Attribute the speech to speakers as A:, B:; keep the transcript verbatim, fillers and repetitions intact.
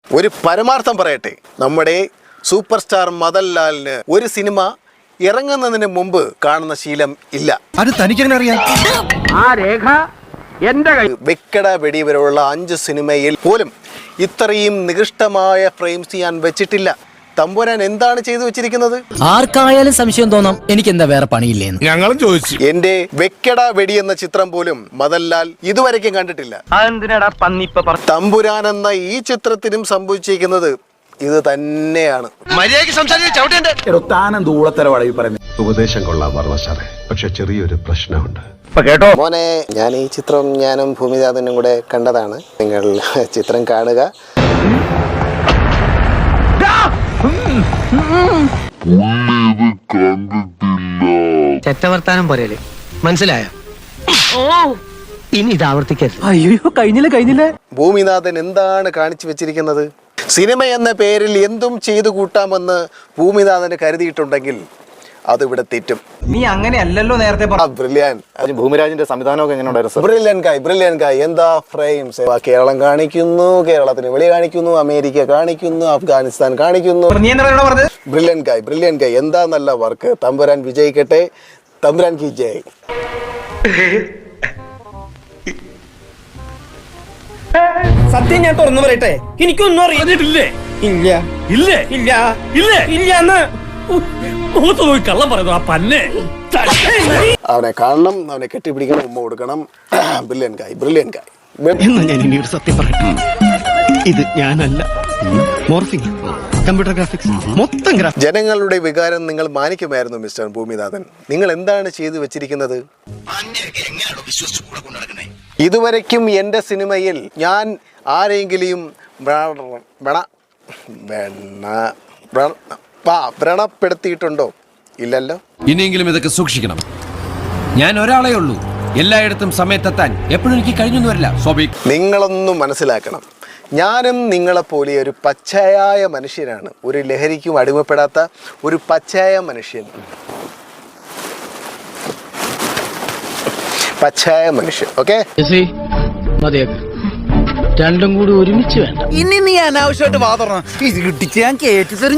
A: ഒരു പരമാർത്ഥം പറയട്ടെ, നമ്മുടെ സൂപ്പർ സ്റ്റാർ മദൻലാലിന് ഒരു സിനിമ ഇറങ്ങുന്നതിന് മുമ്പ് കാണുന്ന ശീലം ഇല്ല.
B: അത് തനിക്കെങ്ങനെ അറിയാം?
C: ആ രേഖ എന്റെ കൈ.
A: വെക്കട വെടി വരെയുള്ള അഞ്ച് സിനിമയിൽ പോലും ഇത്രയും നികൃഷ്ടമായ ഫ്രെയിംസ് ഞാൻ വെച്ചിട്ടില്ല. തമ്പുരാൻ എന്താണ് ചെയ്തു വെച്ചിരിക്കുന്നത്?
D: ആർക്കായാലും സംശയം തോന്നാം എനിക്ക് എന്താ വേറെ പണിയില്ലേന്ന്.
B: ഞങ്ങളും ചോദിച്ചു.
A: എന്റെ വെക്കട വെടി എന്ന ചിത്രം പോലും മദൻലാൽ ഇതുവരെയ്ക്കും കണ്ടിട്ടില്ല. തമ്പുരാൻ എന്ന ഈ ചിത്രത്തിനും സംഭവിച്ചിരിക്കുന്നത് ഇത് തന്നെയാണ്.
E: ഉപദേശം കൊള്ളാൻ പറഞ്ഞ സാറേ, പക്ഷെ ചെറിയൊരു പ്രശ്നമുണ്ട്.
C: കേട്ടോ
A: മോനെ, ഞാൻ ഈ ചിത്രം ഞാനും ഭൂമിദാതനും കൂടെ കണ്ടതാണ്. നിങ്ങൾ ചിത്രം കാണുക.
D: ചെറ്റവർത്താനം പോരല്ലേ, മനസ്സിലായോ? ഇനി ഇത് ആവർത്തിക്കരുത്. അയ്യോ, കഴിഞ്ഞില്ല കഴിഞ്ഞില്ല.
A: ഭൂമിനാഥൻ എന്താണ് കാണിച്ചു വെച്ചിരിക്കുന്നത്? സിനിമ എന്ന പേരിൽ എന്തും ചെയ്തു കൂട്ടാമെന്ന് ഭൂമിനാഥന് കരുതിയിട്ടുണ്ടെങ്കിൽ അതിവിടെ തെറ്റും.
F: നീ അങ്ങനെയല്ലല്ലോ നേരത്തെ
A: ബ്രില്യൻ.
G: ഭൂമിരാജിന്റെ സംവിധാനമൊക്കെ എങ്ങനെ ഉണ്ടായിരുന്നു?
A: ബ്രില്യൻ കായ് ബ്രില്യൻ കായ് എന്താ ഫ്രെയിംസ്! കേരളം കാണിക്കുന്നു, കേരളത്തിന് വെളി കാണിക്കുന്നു, അമേരിക്ക കാണിക്കുന്നു, അഫ്ഗാനിസ്ഥാൻ കാണിക്കുന്നു. ബ്രില്യൻ കായ് ബ്രില്യൻ കായ് എന്താ നല്ല വർക്ക്. തമ്പുരാൻ വിജയിക്കട്ടെ. തമ്പുരാൻ കി ജയ്.
F: സത്യം ഞാൻ തുറന്നു പറയട്ടെ, എനിക്കൊന്നും അറിയില്ലേ. ഇല്ല ഇല്ല ഇല്ല ഇല്ല ഇല്ല കള്ളം പറയുന്നു. ആ പന്നെ
A: അവനെ കാണണം, അവനെ കെട്ടിപ്പിടിക്കണം, ഉമ്മ കൊടുക്കണം. Brilliant guy brilliant guy.
B: എന്നാ ഞാൻ ഇനി ഒരു സത്യം പറയട്ടെ, ഇത് ഞാനല്ല, മോർഫിംഗ്, കമ്പ്യൂട്ടർ ഗ്രാഫിക്സ്, മൊത്തം ഗ്രാഫിക്സ്.
A: ജനങ്ങളുടെ വികാരം നിങ്ങൾ മാനിക്കുമായിരുന്നു മിസ്റ്റർ ഭൂമിനാഥൻ. നിങ്ങൾ എന്താണ് ചെയ്തു വെച്ചിരിക്കുന്നത്? ഇതുവരയ്ക്കും എൻ്റെ സിനിമയിൽ ഞാൻ ആരെങ്കിലും വ്രണപ്പെടുത്തിയിട്ടുണ്ടോ? ഇല്ലല്ലോ.
H: ഇനിയെങ്കിലും ഇതൊക്കെ സൂക്ഷിക്കണം. ഞാൻ ഒരാളേ ഉള്ളൂ, എല്ലായിടത്തും സമയത്തെത്താൻ എപ്പോഴും എനിക്ക് കഴിഞ്ഞൊന്നും വരില്ല. സ്വാഭാവിക.
A: നിങ്ങളൊന്നും മനസ്സിലാക്കണം, ഞാനും നിങ്ങളെപ്പോലെ ഒരു പച്ചയായ മനുഷ്യനാണ്. ഒരു ലഹരിക്കും അടിമപ്പെടാത്ത ഒരു പച്ചയായ മനുഷ്യൻ. പച്ചയായ മനുഷ്യൻ. ഓക്കെ,
D: രണ്ടും കൂടി ഒരുമിച്ച് വേണ്ട.
F: ഇനി നീ അനാവശ്യമായിട്ട് വാ തുറന്നു ഇത് കിട്ടിച്ച് ഞാൻ കേട്ടി